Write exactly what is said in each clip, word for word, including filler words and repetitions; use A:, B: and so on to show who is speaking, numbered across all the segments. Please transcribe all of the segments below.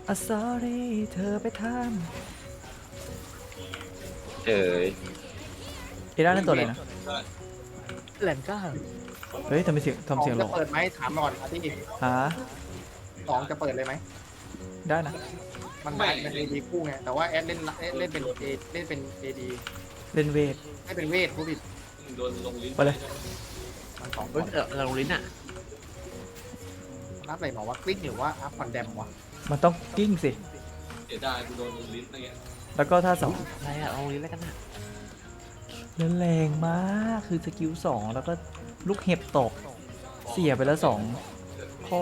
A: อ่ะ sorry เธอไปท
B: เอ้ย
A: ำเอด้านั่นตัวอะไรนะ
C: แหลมก้า
A: เฮ้ยทำไมเสียง
D: สอง
A: ทำเสียงหล
D: จะ
A: ง
D: เปิดไหมถามก่อนที่
A: หา
D: สองจะเปิดเลยไหม
A: ได้นะ
D: มันได้เป็นเอดีคู่ไงแต่ว่าแอดเล่นเล่นเป็นเอเล่นเป็นเอดี
A: เล่นเวท
D: ให้เป็นเวทผู้ผิด
A: ไปเลย
D: มันสองค
C: เฮ้ย
D: น
C: เออเราลิ้นอ่ะ
D: นับอะไรหมอว่าคลิกหรือว่าอัพคอนแดมวะ
A: มันต้องกิ้งสิ
E: เสียดายกูโดนลงลิ้นอะไรเงี้ย
A: แล้วก็ท่าสอง
C: อะไรอ่ะเราลิ้นแล้วกันนะ
A: แล้วแรงมากคือสกิลสองแล้วก็ลูกเห็บตก เสียไปแล้วสองข้อ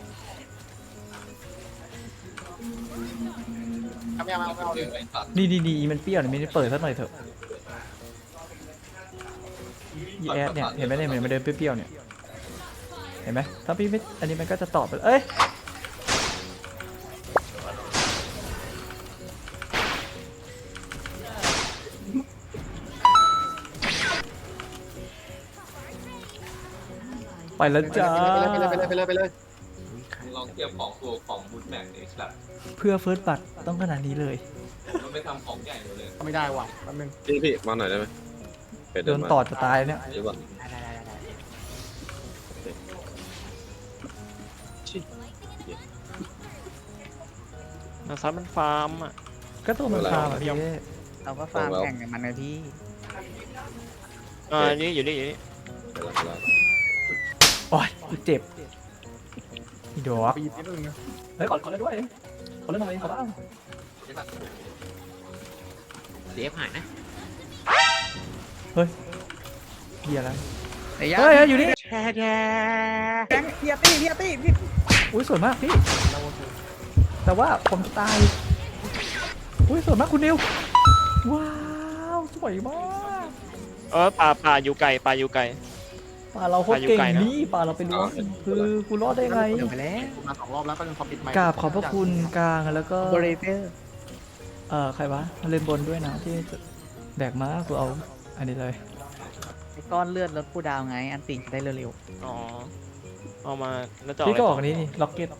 D: ทำยังไงเอาเอา
E: เจ
D: เลย
E: อไอ้ตัด
A: นี่ดีดีมันเปรี้ยวเนี่ยไม่ได้เปิดสักหน่อยเถอะยีแอดเนี่ยเห็นไหมเนี่ยมันเดินเปรี้ยวๆเนี่ยเห็นไหมถ้าพี่ไม่อันนี้มันก็จะตอบไปเอ้ยไปแล้วจ้า
D: ไปเลยไปเลยไปเลยไปเลยไปเลย
E: มึงลองเทียบของตัวของบูทแม็กเอ็กซ์แบบ
A: เพื่อเฟิร์สบัตต้องขนาดนี้เลย
E: มันไม่ทำของใหญ่หมดเลย
D: ไม่ได้ว่ะแป๊บนึง
B: พี่พี่มาหน่อยได้ไหมเป็ด
A: โด
B: เดิน
A: น
B: มา
A: ต่อจะตายเนี่ย
B: หรือเปล่า
C: ได้ได้ได้ได้
F: ซัดมันฟาร์มอ่ะ
A: ก็ตัวมันพาแบบพี่
C: เราก็ฟาร์มแข่งกับมันนะพี่
F: อ่านี่อยู่นี่อยู่นี่
B: ไปแล้วไปแล้ว
A: โอ้ยกูเจ็บพี่ดอก
D: ไปหยิบนิดนึงนะ
A: เฮ้ยขอขอเล่นด้วยขอเล่นหน่อยขอบ้าง
C: เดฟหายนะ
A: เฮ้ยเฮียอะไร
C: เฮ้
A: เฮ้ยเฮ้ยอยู่นี่
C: แช่แช่
D: แบงค์เฮียตี้เฮียตี้พี่
A: อุ้ยสวยมากพี่แต่ว่าผมจะตายอุ้ยสวยมากคุณนิวว้าวสวยมาก
F: เออป่าป่าอยู่ไกลป่าอยู่ไกล
A: ปลาเราโคตรเก่งนี่ปลาเราไปล้วงคือกูรอดได้ไง
C: เดี๋ยวไปแล้ว
D: มาสองรอบแล้วก็ยังคอมพิวต์ไมค์
A: กราบขอบพระคุณกลางแล้วก็
C: บริเตอร์
A: เอ่อใครวะเล่นบนด้วยนะที่แบกม้ากูเอาอันนี้เลย
C: ไอ้ก้อนเลือดลดผู้ดาวไง อันติได้เร็ว
F: อ๋อเอามาแล้วจะ
A: พี่ก็ออก
F: อะ
A: อันนี้นี่ล็อกเก็ต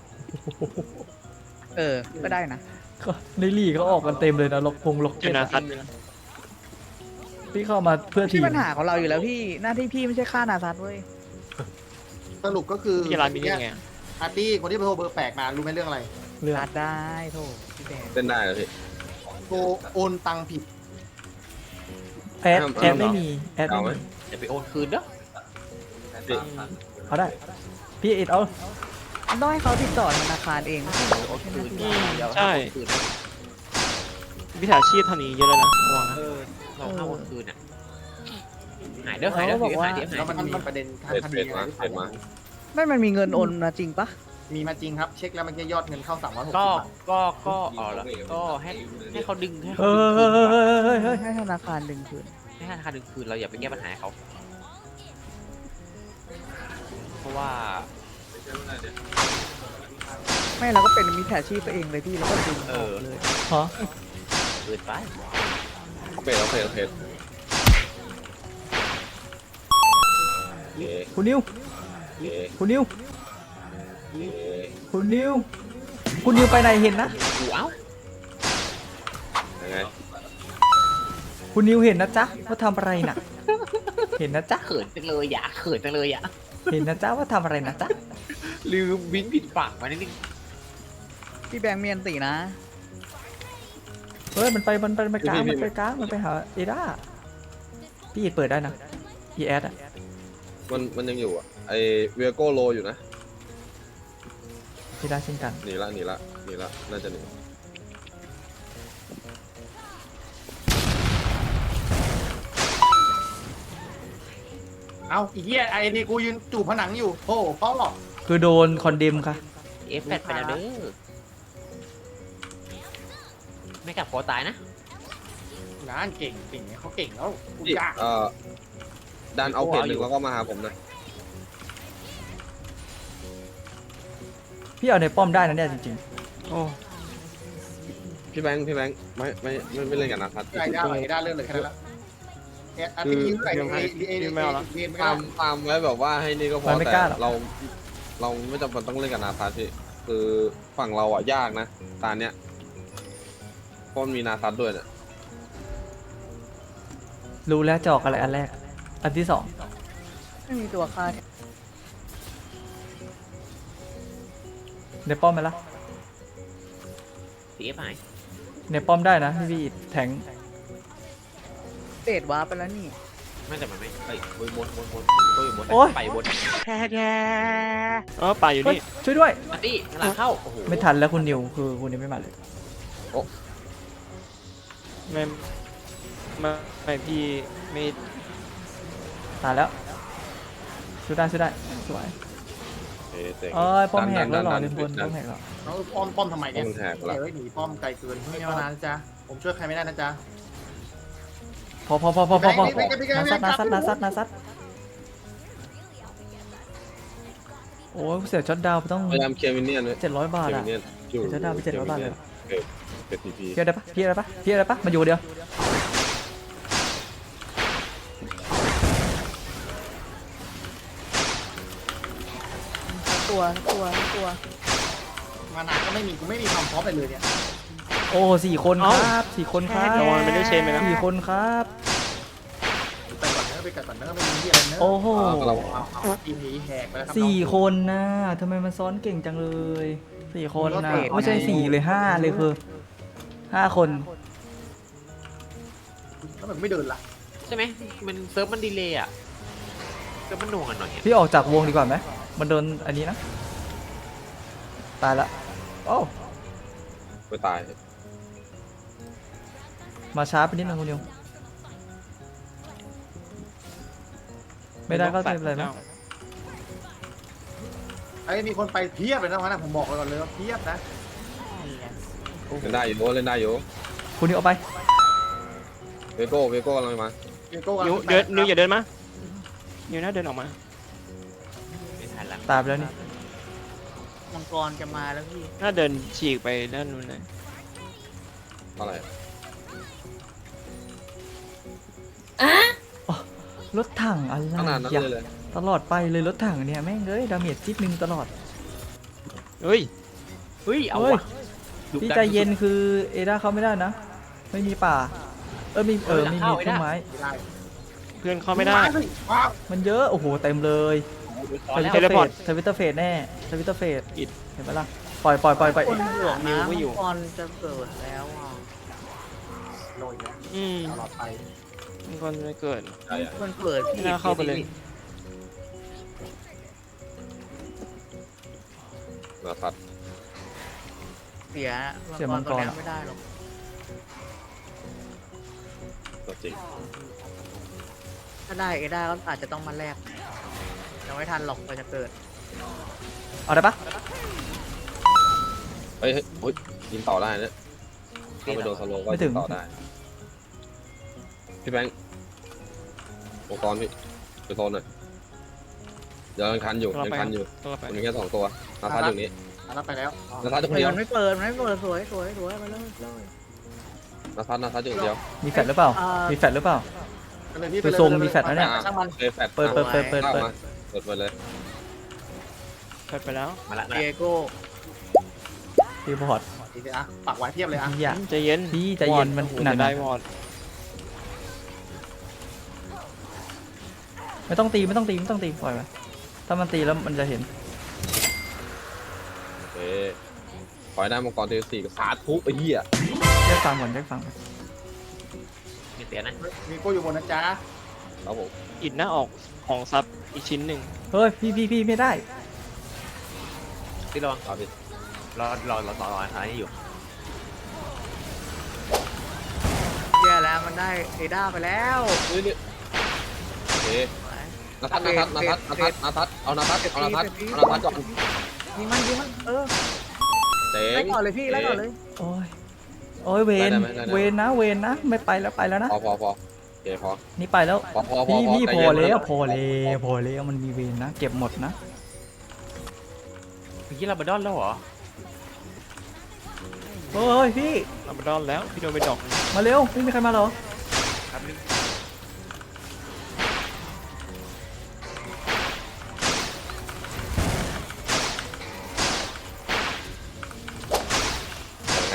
C: ๆเออ ก็ได้นะ
A: ในลีกเขาออกกันเต็มเลยนะล็อกพงล็อก
F: อ
A: เก็
F: ยู่
A: ต
F: นะซัด
A: พี่เข้ามาเพื่อที
C: ที่
A: ม
C: ปัญหาของเราอยู่แล้วพี่ หน้าที่พี่ไม่ใช่ฆ่านาซัตเว้ย
D: สรุปก็คือ
F: ที่ร้านมินิไง
D: อาร์ตี้คนที่โทรเบอร์แปลกมารู้ไหมเรื่องอะไร
A: เรื่อง
C: รัดได้โถพี่แดง
B: เต้นได้เหรอพี่
D: โทรโอนตังค์ผิด
A: แอดแอดไม่มีแอดไม่มี
C: อย่าไปโอนคืนเด้อ
B: พี่
A: เอาได้พี่เอ็ดเอา
C: ต้องให้เขาติดต่อธนาคารเองโอนคืน
F: อืมใช่วิชาชีพทำนี้เยอะเลยนะระวังนะ
C: เราเข้าโอนคืนอ่ะหายเด้อหายเด้อหายเด้อหาย
D: แล้วมัน
C: เด้อ
D: มีประเด็นทาง
B: เป็ด
D: คดี
B: เป็ด
D: อะไร
B: มา
D: หรือเป
B: เป็ดมา
D: ล่า
C: ไม่มันมีเงินโอนมาจริงปะ
D: มีมาจริงครับ เช็คแล้วมันแค่ยอดเงินเข้าสามร้อยหกสิ
G: ก็
D: บบาท
G: ก็ก็อ๋อแล้วก็ให้ให้เขาดึงให้
A: เฮ้
G: เขา
A: ย
G: ดึง
A: เฮ้
G: คื
A: ย
G: น
A: เฮ้ยเฮ้ยเฮ้ย
C: ให้ธนาคารดึงคืน
G: ให้ธนาคารดึงคืนเราอย่าไปแก้ปัญหาให้เขาเพราะว่า
C: ไม่เราก็เป็นมิจฉาชีพไปเองเลยพี่แล้วก็ดึงออกเลย
A: ฮะ
G: เกินไป
B: เป็ดเอาเป็ดเอาเป็ดโอเค
A: คุณนิว
B: โอเค
A: คุณนิว
B: โอเค
A: คุณนิวคุณนิวไปไหนเห็นนะ
G: กูเอ้า
B: ยังไง
A: คุณนิวเห็นนะจ๊ะว่าทำอะไรน่ะ เห็นนะจ๊ะ
G: เขินจังเลยอย่าเขินจังเลยอย่า
A: เห็นนะจ๊ะว่าทำอะไรนะจ๊ะ
G: ลืมวินผิดฝั่งมานิดนึง
C: พี่แบงค์เมียนตีนะ
A: เฮ้ยมันไปมันไปมันไปกลางมันไปกลางมันไปหาเอด้าพี่เอ็ดเปิดได้นะอีแอดอะ
B: มันมันยังอยู่อ่ะไอเวียโก้โลอยู่นะ
A: เอด้าเช่นกัน
B: หนีละหนีละหนีละน่าจะหนี
D: เอาอีเหี้ยไอ้นี่กูยืนจูบผนังอยู่โอ้พ่อหรอก
A: คือโดนคอนเดมค่ะ
G: เอฟแปดไปแล้วเด้อไม่กลับขอตายนะ
D: งานเก่งเก่งเขาเก่งแล้วกู
B: พี่
D: ยาก
B: เอ่อดันเอาเป็ดหนึ่งแล้วก็มาหาผมนะ
A: พี่เอาในป้อมได้นะเนี่ยจริง
F: โอ้
B: พี่แบงค์พี่แบงค์ไม่ไม่ไม่ไม่เล่นกับนาคัส
D: ได้ได้เลยได้เรื่องเลยแค่นั้นละเอ๊ะอาร์ตี้คิวใส่เอเอเอเอไม่
B: ตามตามไว้แบบว่าให้นี่ก็พอ
A: มันไม่
B: แต่
A: กล้าหรอก
B: เรา เราไม่จำเป็นต้องเล่นกับนาคัสพี่
A: ๆ
B: คือฝั่งเราอ่ะยากนะตาเนี้ยเพราะมันมีนาซัดด้วยเนี่ย
A: รู้แล้วจะออกอะไรอันแรก อันที่สอง
H: ไม่มีตัวฆ่า
A: ในป้อมไหมล่ะ
G: ซีเอฟหาย
A: ในป้อมได้นะพี่พี่แทง
H: เตดวาร์ปไปแล้วนี่
G: ไม่แต่มันไม่เฮ้ยบนบนบนบนตัวอยู่บน
A: โอ๊ย
G: ไปอยู่บน
F: แท้แท้เออป่าอยู่
A: เฮ้ย
F: นี่
A: ช่วยด้วย
G: อันตี้กำลังเข้าโอ้โห
A: ไม่ทันแล้วคุณนิวคือคุณนิวไม่มาเลย
F: ไม่ไม่ไม่พี่ไม่
A: ตายแล้วช่วยได้ช่วยได้สวย
B: เอ๊ะเจ๋ง
A: เอ้ยป้อมแหกแล้วเหรอ
B: ดั
A: เล่นบน
B: ดั
A: ป้อมแหกแล้ว
D: น้องป้อมป้อมทำไม
B: ป้อ
D: เนี่ย
B: มแหกแล้ว
D: เฮ้ยหนีป้อมไกลเกินไม่เอานานนะจ๊ะผมช่วยใครไม่ได้นะจ๊ะ
A: พอพอพอพอพอพอ
D: ไม่ไม่ไม่ไม่
A: นาซัด
D: ไม่
A: นาซัดนาซัดนาซัดโอ้ยเสียช็อตดาวน์ไปต้อง
B: พยายามเคลียร์มินเนี่ยนไว้
A: เจ็ดร้อยบาท
B: เคลียร์
A: อะ
B: มินเนี่ยนอยู่
A: เสียช็อตดาวน์ไปเจ็ดร้อยบาทเลย
B: เออเป็นทีพี
A: พี่อะไรปะพี่อะไรปะพี่อะไรปะมาอยู่เดียว
H: ตัวตัวตัว
D: มานานก็ไม่มีกูไม่มีความพร้อมไปเลยเนี่ย
A: โอ้สี่คนครับสี่คนครับ
F: ระวังไม่ได้เชนไปนะ
A: สี่คนครับ
D: ไปก่อนเนอะไปก่อนเนอะไปมีที่อะไรเนอะ
A: โอ้โห
B: เรา
D: เอาเอาทีนี้แหกไปแล้วครับ
A: สี่คนนะทำไมมันซ้อนเก่งจังเลยสี่คนนะไม่ใช่สี่เลยห้าเลยคือห้าคน
D: แล้วมันไม่เดินล่ะ
G: ใช่ไหมมันเซิร์ฟมันดีเลย์อ่ะเซิร์ฟมันหน่วงกันหน่อยอะ
A: พี่ออกจากวงดีกว่าไหมมันโดนอันนี้นะตายละโอ้
B: ไปตาย
A: มาช้าไปนิดนึงคุณนิวไม่ได้ก็ไม่เป็นไรนะ
D: ไอ้ยมีคนไปเพียบเลยนะวันนั้นผมบอกไว้ก่อนเลยว่าเพียบนะ
H: นี่ไง
B: เล่นได้อยู่เล่นได้อยู่
A: คุณนิวเอาไป
B: เวโก้เวโก้กำลังมา
D: เกโก้
F: นิวเดินนิวอย่าเดินมานิวน่าเดินออกมา
G: ไม่ทันละ
A: ตายไปแล้วนี่
H: มังกรจะมาแล้วพี่
F: น่าเดินฉีกไปด้านนู้นเลย
B: อะไร
A: รถถังอะไร
B: ขนาดนั้น
A: อย่า
B: เลยเลย
A: ตลอดไปเลยรถถังเนี่ยแม่งเอ้ยดาเมจจิ๊บหนึ่งตลอด
F: เฮ้ย
G: เฮ้ยเอา
A: เฮ้ย
G: วะดุ
A: พี่
G: ดั
A: ใจเย็นคือเอด้าเข้าไม่ได้นะ ไม่มีป่า เออมีเออมีมีต้นไม้
D: ไม่ได้
F: เพื่อนเข้าไม่ได้
D: สิว้าว
A: มันเยอะโอ้โหเต็มเลย
G: ซ้อนแล้ว
A: ทวิตเตอร์
F: เทเลพอร์
A: เฟ
F: ต
A: สทวิตเตอร์เฟสแน่ทวิตเตอร์เฟส
F: อิด
A: เห็นไหมล่ะปล่อยปล่อยปล่อยปล่อย
H: คนเหลือง
F: นิว
H: นะ
F: ไม่
H: มั
F: อยู่
H: งกรจะเกิดแล้วอ่ะ
D: โดนแล้ว
F: อืม
D: ตลอดไป
F: มันคนไม่เกิด
B: ใช่อะ
H: มันเกิด
F: ไม่น่าเข้าไปเลย
B: นาซัด
H: เสียมังกรตัวนี้ไม่ได้หรอก
B: ตัวจริง
H: ถ้าได้เอด้าก็อาจจะต้องมาแลกยังไม่ทันหรอกกว่าจะเกิด
A: เอาได้ปะ
B: เฮ้ยเฮ้ยโอ๊ยยิงต่อได้เนี่ยถ้าไปโดนสโลว์ก็ยิงต่อได้พี่แบงค์อุปกรณ์พี่ไปโซนหน่อยเดี๋ยวยังคันอยู่ยังคันอยู่
F: ตัวไป
B: มันมีแค่สองตัวนาซัดอยู่นี้
D: รับไปแล้ว
B: นาซัดอยู่คน
H: เฮ้ย
B: เดียว
H: มันไม่เปิดมันไม่เปิดสวยสวยสวยไปเลยเลย
B: นาซัดนาซัดอยู่คนเดียว
A: มีแฟลชหรือเปล่า
H: อ่ามี
A: มีแฟลชหรือเปล่า
D: ไปเลยพี่
A: ดูทรงมีแฟลชนะเนี่ย
D: ช่างมัน
B: เปิดแฟลช
A: เปิดเปิดเปิดเปิด
B: เข้า
A: เปิด
B: มาเปิดไปเลย
F: เปิดไปแล้ว
G: มาละมา
H: เดี
G: ละ
H: ยโก้
A: รีพอร์ต
D: ดีสิอ่ะปักไว้เพียบเลยอ่ะ
A: อย่า
F: ใจเย็น
A: พี่ใจเย็นมัน
F: วอด
A: หนัก
F: จะได้วอด
A: ไม่ต้องตีไม่ต้องตีไม่ต้องตีปล่อยไปถ้ามันตีแล้วมันจะเห็น
B: โอเคขอให้ได้มังกรเทวสี่กับสาธุไอ้เหี้ย
A: แยกฟังก่อนแยกฟังก่อน
G: ไม่เสียนะ
D: มีโก้อยู่บนนะจ๊ะ
B: ครับผม
F: อิดหน้าออกของซับอีกชิ้นหนึ่ง
A: เฮ้ยพี่พี่พี่ไม่ได้
G: ที่ระวัง
B: ครับพี่
G: รอรอรอรอรอท้ายอยู่
H: แย่แล้วมันได้เอด้าไปแล้ว
B: นี่นี่โอเคนาทัดนาทัดนาทัดนาทัดนาทัดเอานาทัดเอานาทัดเอานาทัดก่อน
H: ยิงมันยิงมันเออ
B: เจ๋
H: ไล่
B: ง
H: ก่อนเลยพี่ไล่ก่อนเลย
A: โอ้ยโอ้ยเวน
B: ได้ไหมได้ไหม
A: เวนนะเวนนะไม่ไปแล้วไปแล้วนะ
B: พอพอพอโอเคพอ
A: นี่ไปแล้ว
B: พอพอพอ
A: พี่พี่
B: ใจ
A: พอ
B: เย็น
A: แล้ว
B: นะ
A: พอแล้วพอแล้วมันมีเวนนะเก็บหมดนะ
G: เมื่อกี้เราบดอนแล้วเหรอ
A: เฮ้ยพี่
F: เอาไปดอนแล้วพี่โดนไปดอกหนึ่ง
A: มาเร็วไม่มีใครมาเหรอ
G: ครับนึง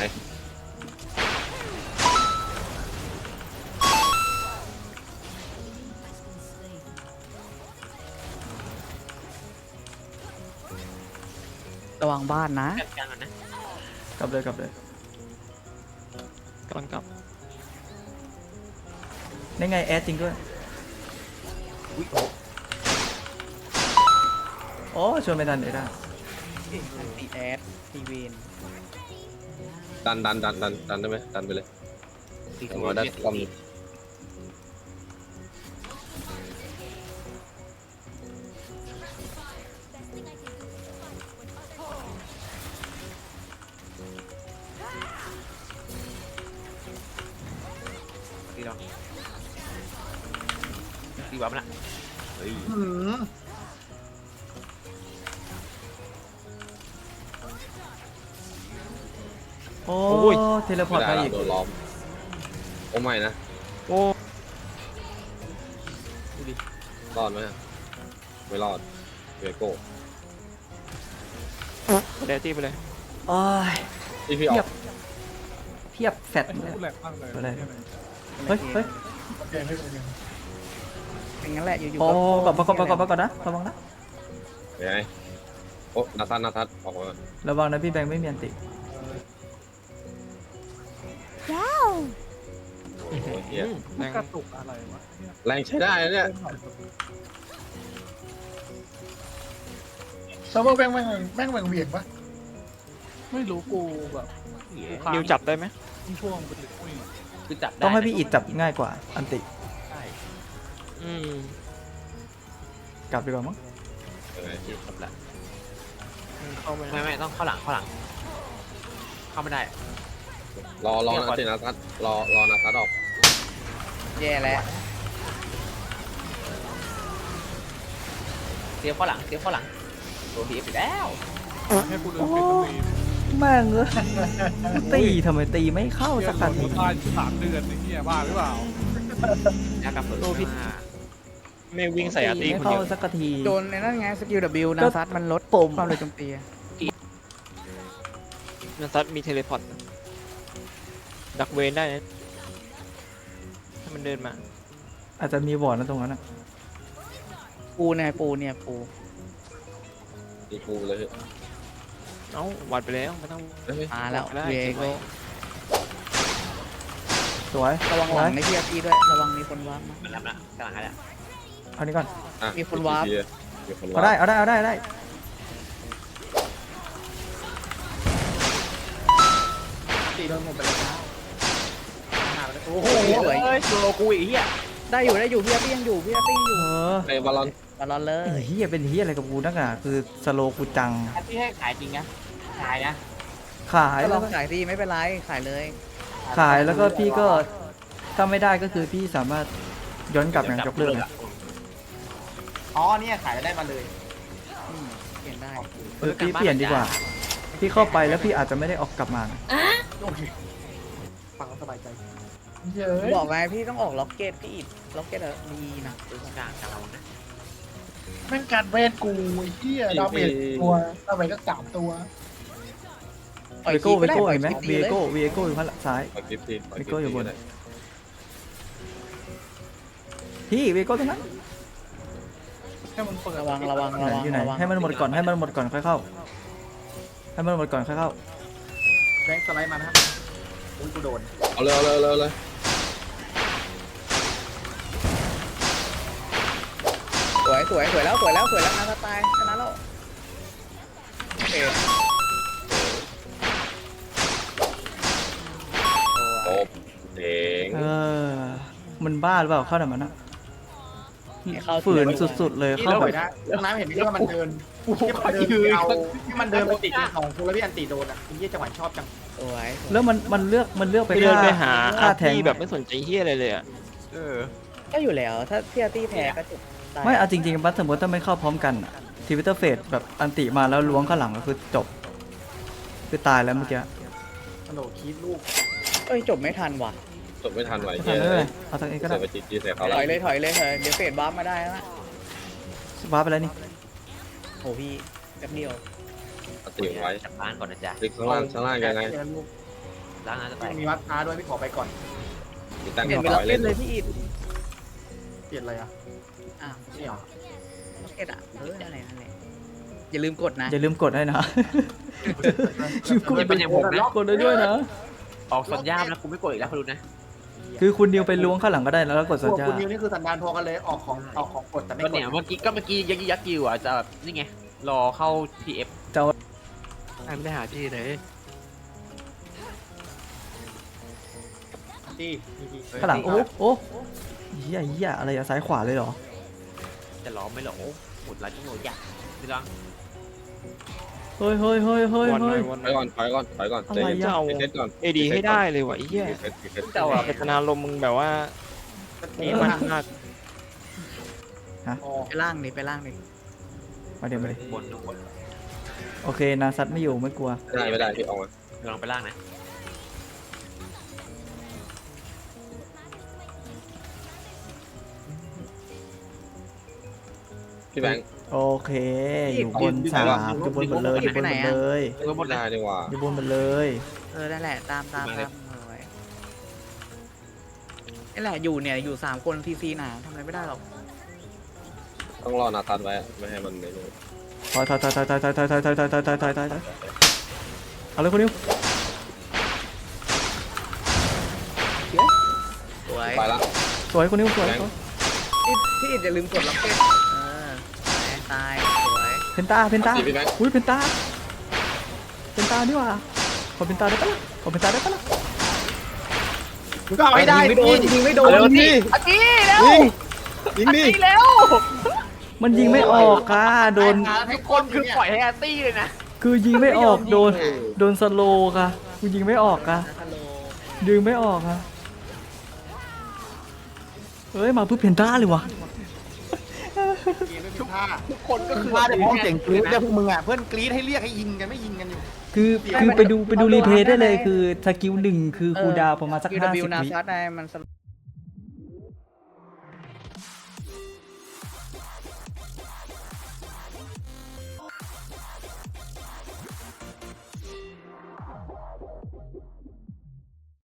H: ระวังบ้านนะ
G: จัดการก่อนนะ
A: กลับเลยกลับเลย
F: กำลังกลับ
A: นี่ไงแอดจริงด้วยโอ้ชวนไปทันเดี๋ยวได้
H: อันตีแอดตีเวน
B: ดันดันดันดันดันได้ไหมดันไปเลย
G: ตี
B: เอา
G: ตัว
B: มาได้
G: เจ็ด
B: ความ
G: ตีเราตีบ้ามันละเฮ้ย
D: หืม
A: โอ้
F: โอ้ย
A: เทเลพอร์ต
B: ไม่
A: ไป
B: ได้
A: อี
B: ละ
A: ก
B: โดนล้อมโอ้ไม่นะ
F: โอ้
B: รอดไหมไม่รอดเวโก้
F: เดยวตีไปเลย
A: โอ้ย
B: ที่พี่อ
A: เที
B: อย
A: บ
B: ก
A: เทียบแฟดเลย
I: พูดแหลกมากเลย
A: อะไร เฮ้ยเฮ้ย
I: โอเคไม่เป็นไร
H: เป็นงั้นแหละอยู่ๆ
A: โอ้
H: ก็
A: ก่อนก่อนก่อนก่อนก่อนนะระวังนะ
B: เห็นไหมโอ้นาทัศน์นาทัศน์ออกมา
A: ระวังนะพี่แบงค์ไม่มีอันติ
B: โอ้โหเฮีย
F: แรง
I: กระตุกอะไรวะเนี่ย
B: แรงใช้ได้นะเนี่ย
I: เซิร์ฟเวอร์แม่งแม่งแม่งแม่งเหวี่ยงปะไม่รู้กูแบบ
G: เหี้ย
F: นิวจับได้ไหม
I: ช่วงเป็นอุ้ย
G: คือจับได้
A: ต้องให้พี่อิดจับง่ายกว่าอันติ
G: ใช่
F: อืม
A: กลับดีกว่ามั้ง
B: เห็นไหม
G: จับละ
F: เข้าไป
G: ไม่
F: นะ
G: ไม่ต้องเข้าหลังเข้าหลัง เข้าไม่ได้
B: รอรอนาทีนาทัศน์รอรอนาทัศน์ออก
H: แย่แล้ว
G: เสียบเข้าหลังเสียบเข้าหลังโดนทีไปแล้ว
I: ให้กูเดินไปตรงนี้
A: แม่งเอ้ยตีทำไมตีไม่เข้า
I: เฮีย
A: สัก
I: โด
A: ที
I: นตายสามเดือนไอ้เฮียบ้าหรือเปล่า
G: ยากลับเปิด
A: โดนพิษ
G: มา
F: ไม่วิ่งใส่อาร์ตี
A: ไม่
F: คน
A: เข้า
F: เดียว
A: สักที
H: โดนในนั่นไงสกิล W นาซัดมันลด
A: ปุ่ม
H: ความเร็วโจมตี
F: นันซัดมีเทเลพอร์ตดักเวนได้นะถ้ามันเดินมา
A: อาจจะมีวอร์ดนะตรงนั้นนะ
H: ปูเนี่ยปูเนี่ยปู
B: ตีกูเลย
F: เอ้าวัดไปแล้วไม่ต้อง
B: เฮ้ย
H: มาแล้ว
F: ได้
H: เว
F: เก็บ
H: โก
F: ไว้
A: สวย
H: ระวังหลังในที่ตีด้วยระวังมีคนวางมา
G: มันรับละกำลังอะไร
A: เอานี้ก่อน
B: อ่ะ
H: มีคนวาร์ป
B: มีคน
A: เอา
B: วา
A: ได้
B: ร์ป
A: เอาได้เอาได้เอาได้
D: ตีโดนหมดไปแล้วนะหาไปเลยโอ้โห
H: สวย
G: เฮ้ยโลกูอีกเหี้ย
H: ได้อยู่ได้อยู่พี่อาร์ตี้ยังอยู่พี่อาร์ตี้ยังอยู่
A: เออ
B: ไอ้บอลลอน
H: บอลลอนเล
A: ไอ้
H: ย
A: เฮียเป็นเฮียอะไรกับกูนักหนาคือสโลกูจัง
G: อันที่ให้ขายจริงนะขายนะ
A: ขาย
H: ก็ล
A: แล้
H: อ
A: ว
H: ง
A: ก็
H: ขายดีไม่เป็นไรขายเลย
A: ขายแล้วก็พี่ก็ถ้าไม่ได้ก็คือพี่สามารถย้อนกลับอย่างยกเลิกเลย
D: อ๋อเนี่ยขายได้มาเลย
H: อืมเปลี่ยนได้
A: เออพี่เปลี่ยนดีกว่า พี่เข้าไปแล้วพี่อาจจะไม่ได้ออกกลับมานะ
D: โอเคฟังแล้วสบายใจ
I: เย้ย
H: บอกไงพี่ต้องออกล็อกเก็ตพี่อิดล็อกเก็ตอะดีนะ
G: ดูกลางกลางเรานะ
I: แม่งการเวทกูไอ้เหี้ยดาเมจตัวดาเมจก็สามตัว
H: ปล่อย
A: เวโก้
H: คลิ
A: เว
H: ป
A: โก้
H: ก็ได้
A: เห็นไหม
H: ปล่อยคลิป
A: เวโก้เวโก้อยู่ข้างหลังซ้าย
B: ปล่อยคลิปทีปล่อยคลิป
A: เวโก้อยู่บน
B: ทีก็ได้
A: พี่เวโก้ตรงนั้น
I: ให้มันเปิด
H: ระวังระวัง
A: อยู่ไหน
H: ระวัง
A: อยู่ไหน
H: ระวัง
A: ให้มันหมดก่อนให้มันหมดก่อนค่อยเข้าให้มันหมดก่อนค่อยเข้า
D: แบงค์สไลด์มานะครับอุ้ยกูโดน
B: เอาเลยเอาเลยเอาเลยเอาเลย
H: สวยสวยสวยแล้วสวยแล้วสวยแล้วนะสไตล์ชนะแล้วโอเค
B: โอ้เด้ง
A: เออมันบ้าหรือเปล่าเข้าแบบนั้นนะ
H: เข้า
A: ฝืนสุดๆเลย
D: นี่
A: เข้า
D: เรา
A: แบ
D: ไป
A: บ
D: นะเรื่องน้ำเห็นไหมที่ว่ามันเดินที่มันเดินไปเอาที่มันเดินไปติดในของกูแล้วพี่อันตีโดนอ่ะไอ้เหี้ยจังหวะชอบจัง
H: สวย
A: แล้วมันมันเลือกมันเลือกไป
F: ไปเดินไปหา
A: ค่า
F: อาร์
A: แทง
F: ตี้แบบไม่สนใจเฮียอะไรเลยอ่ะ
G: เออ
H: ก็อยู่แล้วถ้าพี่อาร์ตี้แพ้ก็จบด้
A: ไม่เอาจริงๆบัสสมมติถ้าไม่เข้าพร้อมกันทีวิตเตอร์เฟสแบบอันติมาแล้วล้วงข้างหลังก็คือจบคือตายแล้วเมื่อกี้
D: กระโดดคีบลูก
H: เอ้ยจบไม่ทันว่ะ
B: จบไม่ทันไหว
A: ไม่
B: เฮี
A: ทัน
B: ย
A: เลยเอาทางเองก็
B: เสี
A: ได้
B: ยไปจีจีใส่เขา
H: ถ
B: แล้ว
H: อยเลยถอยเลยเถอะเดี๋ยวเฟดบัฟมาได้แล้วนะ
A: ว้าไปแล้วนี่
H: โหพี่แป๊บเดียว
B: เอาติ่งไว้
G: จับบ้านก่อนนะจ๊ะ
B: คลิกข้างล่างข้างล่างยังไง
D: ลูก
G: ล้างน้ำจะแตก
D: มีวัดท้าด้วยพี่ขอไปก่อน
B: มีตั้ง
H: เปลี่ยน
B: ต่
H: เป็น
B: อ
H: ล็อก
B: เล
H: เก็
B: ย
H: ตเลยพี่อิด
D: เปลี่ยนอะไรอ่ะ
H: อ้าว
D: นี่เหรอ
H: ล็อกเก็ตอ่ะเออนั่นแหละนั่นแหละอย่าลืมกดนะ
A: อย่าลืมกดให้นะ
G: กูจะเป็นอย่างผมนะ
A: กดได้ด้วยนะ
G: ออกสัญญาณนะกูไม่กดอีกแล้วคุณดูนะ
A: คือคุณนิวไปล้วงข้างหลังก็ได้แล้วก็กด
D: พ
A: สัญ
D: วก
A: ญา
D: คุณนิวนี่คือสันดานพอกันเลยออกของออกของกดแต่ไม่
G: ก็
D: กด
G: เนี่ยเมื่อกี้ก็เมื่อกี้ยักยักยิวอ่ะจะแบบนี่ไงรอเข้า พี เอฟ
F: ไม่ได้หาที่เลย
D: ที่ที่ที่
A: ข้างหลังโอ้โอ้เหี้ยเหี้ยอะไรอะซ้ายขวาเลยเหรอ
G: จะล้อมไม่หรอหมดร้านที่โหดอยากพี่ลอง
A: เฮ้ยเฮ้ยเฮ้ยเฮ้ย
F: วันหน่
A: เฮ้
F: อย ยวันห
B: ไป
F: น่อย
B: ก่อนไปก่อนไปก่อน
A: อะไรอะ
B: เดี๋ยวเซตก่อน
F: เอดีให้ได้เลยวะไอ้เหี้ย
B: เซตเซต
F: เจ้าอะเป็นนาลมมึงแบบว่า
D: นี่
F: มั
D: มัน น
F: มาก
D: อ๋อ
H: ไปล่างนี่ไปล่างนี่
A: มาเดี๋ยวมาเลย
G: บนบน
A: โอเคนาซัดไม่อยู่ไม่กลัว
B: ไม่ได้ไม่ได้พี่ออกมา
G: ลองไปล่างนะ
B: พี่แบงค์
A: โอเค อยู่บนสามอยู่บนหมดเลยอยู่บนหมดเลย
G: เออหมด
B: ไม่
G: เลย
B: ได้ดีกว่า
A: อยู่บนหมดเลย
H: เออนั่นแหละตามตามตามเอาไว้นี่แหละอยู่เนี่ยอยู่สามคนทีซีหนาทำอะไรไม่ได้หรอก
B: ต้องรอนาตันไว้ไม่ให้มันในนู้น
A: ถอยถอยถอยถอยถอยถอยถอยถอยถอยถอยถอยถอยถอยถอยถอยเอาเลยคุณนิว
H: สวย
B: ไปละ
A: สวยคุณนิวสวย
H: พี่พี่อิดอย่าลืมกดล็อกเก็ตเออตายสวย
A: เพนตาเพนตา
B: พี่แบงค์
A: อุ้ยเพนตาเพนตาดีกว่าขอเพนตาได้ปะล่ะขอเพนตาได้ปะล่ะ
D: มึงก็เอาให้ได้ดิยิงไม่โดน
A: ยิงดิ
H: อากี้แล้ว
A: ยิงดิ
H: แล้ว
A: มันยิงไม่ออกค่ะโดน
H: ทุกคนคือปล่อยให้อาร์ตี้เลยนะ
A: คือยิงไม่ออกโดนโดนสโลว์ค่ะกูยิงไม่ออกค่ะยิงไม่ออกค่ะเอ้ยมาเพื่อเพนตาเลยวะ
D: ทุกท่าทุกคนก็คือท่าเดี๋ยวพ้องเจ๋งกรี๊ดเนี่ยพวกมึงอ่ะเพื่อนกรี๊ดให้เรียกให้ยิงกันไม่ยิงกันอยู่
A: คือคือไปดูไปดูรีเพลย์ได้เลยคือสกิลหนึ่งคือคูลดาวน์ประมาณสัก
H: คิว
A: ห้า
H: ดับ
A: สิบ
H: นา
A: วิ
H: ซัดได้มันส